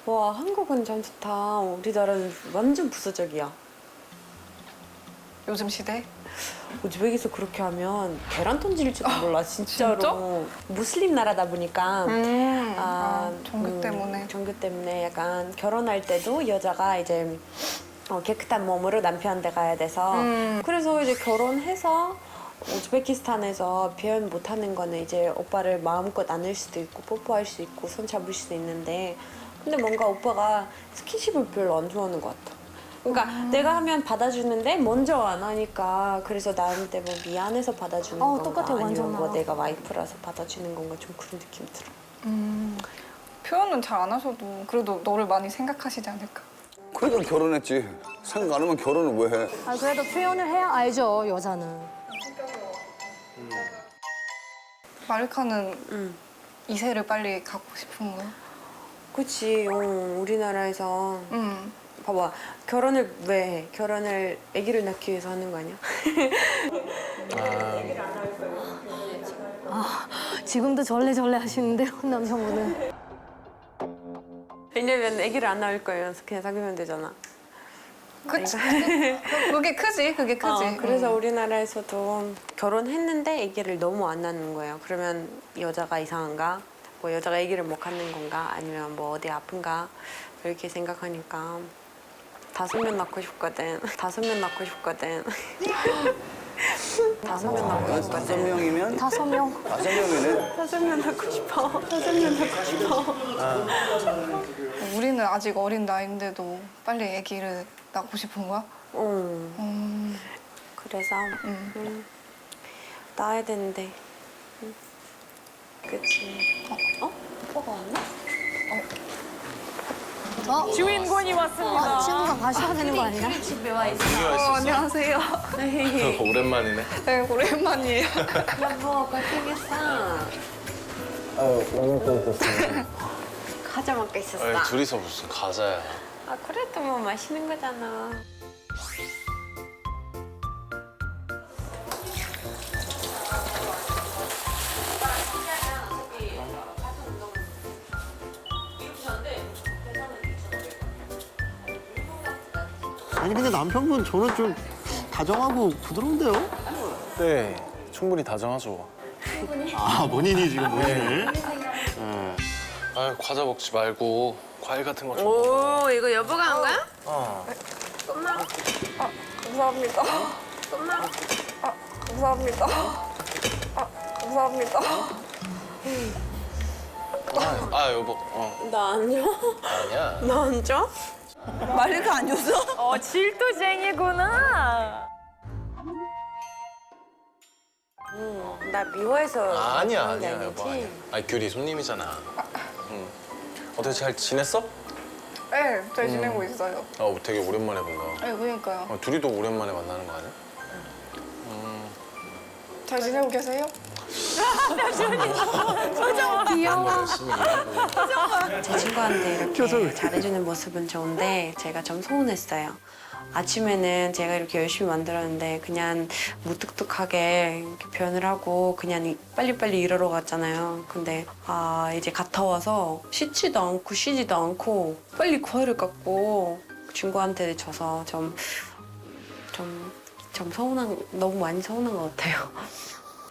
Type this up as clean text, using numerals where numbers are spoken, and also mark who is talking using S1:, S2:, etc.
S1: 와, 한국은 참 좋다. 우리나라는 완전 부수적이야.
S2: 요즘 시대?
S1: 우즈벡에서 그렇게 하면 계란 던질지도 몰라, 진짜로.
S2: 진짜?
S1: 무슬림 나라다 보니까.
S2: 종교 때문에.
S1: 종교 때문에 약간 결혼할 때도 여자가 이제 깨끗한 몸으로 남편한테 가야 돼서. 그래서 이제 결혼해서 우즈베키스탄에서 표현 못하는 거는 이제 오빠를 마음껏 안을 수도 있고 뽀뽀할 수 있고 손 잡을 수도 있는데, 근데 뭔가 오빠가 스킨십을 별로 안 좋아하는 것 같아. 그러니까 내가 하면 받아주는데 먼저 안 하니까, 그래서 나한테 뭐 미안해서 받아주는 건가
S3: 똑같아,
S1: 아니면
S3: 완전
S1: 뭐
S3: 나.
S1: 내가 와이프라서 받아주는 건가 좀 그런 느낌 들어.
S2: 표현은 잘 안 하셔도 그래도 너를 많이 생각하시지 않을까?
S4: 그래도 결혼했지. 생각 안 하면 결혼을 왜 해?
S3: 아, 그래도 표현을 해야 알죠, 여자는.
S2: 마르카는 이세를 빨리 갖고 싶은 거야?
S1: 그치. 우리나라에서 봐봐, 결혼을 왜 해? 결혼을 아기를 낳기 위해서 하는 거 아니야?
S3: 지금도 절레절레 하시는데요, 남편분은.
S1: 왜냐면 아기를 안 낳을 거면 그냥 사귀면 되잖아.
S2: 그치. 그게 크지, 그게 크지.
S1: 그래서 우리나라에서도 결혼했는데 아기를 너무 안 낳는 거예요. 그러면 여자가 이상한가? 뭐 여자가 아기를 못 갖는 건가? 아니면 뭐 어디 아픈가? 이렇게 생각하니까 5명 낳고 싶거든. 5명 낳고 싶거든. 5명 낳고
S4: 다섯
S1: 싶거든.
S4: 명이면
S3: 5명.
S4: 5명이네.
S1: 5명 낳고 싶어. 5명 낳고 싶어.
S2: 우리는 아직 어린 나이인데도 빨리 아기를 낳고 싶은 거야?
S1: 그래서 낳아야 되는데. 그치. 오빠가 왔나?
S3: 주인공이 왔습니다. 친구가 가셔야 되는 거 아니야?
S1: 집에 와 있어.
S2: 안녕하세요.
S5: 오랜만이네.
S2: 네, 오랜만이에요.
S1: 여보, 고생했어. 과자 먹고 있었어.
S5: 아니, 둘이서 무슨 과자야.
S1: 아, 그래도 뭐 맛있는 거잖아.
S6: 아니 근데 남편분 저는 좀 다정하고 부드러운데요?
S5: 네, 충분히 다정하죠.
S6: 아 본인이 지금 본인을?
S5: 아, 과자 먹지 말고 과일 같은 거 좀.
S1: 오, 이거 여보가 한 거야?
S2: 감사합니다. 감사합니다. 감사합니다.
S5: 여보.
S1: 나 안 줘?
S5: 아니야.
S1: 나 안 줘?
S2: 마르카 안 줬어?
S3: 질투쟁이구나.
S1: 나 미워해서
S5: 아니야,
S1: 그런 게
S5: 아니야, 여보, 아니야.
S1: 아니지?
S5: 아니, 귤이 손님이잖아. 어떻게 잘 지냈어?
S2: 네, 잘 지내고 있어요.
S5: 되게 오랜만에 본다.
S2: 네, 그러니까요.
S5: 둘이도 오랜만에 만나는 거 아니야?
S2: 잘 지내고 계세요?
S3: 귀여워.
S1: 제 친구한테 이렇게 잘해주는 모습은 좋은데 제가 좀 서운했어요. 아침에는 제가 이렇게 열심히 만들었는데 그냥 무뚝뚝하게 이렇게 표현을 하고 그냥 빨리빨리 일하러 갔잖아요. 근데 이제 갔다 와서 씻지도 않고 쉬지도 않고 빨리 과일을 깎고 친구한테 져서 좀 서운한, 너무 많이 서운한 것 같아요.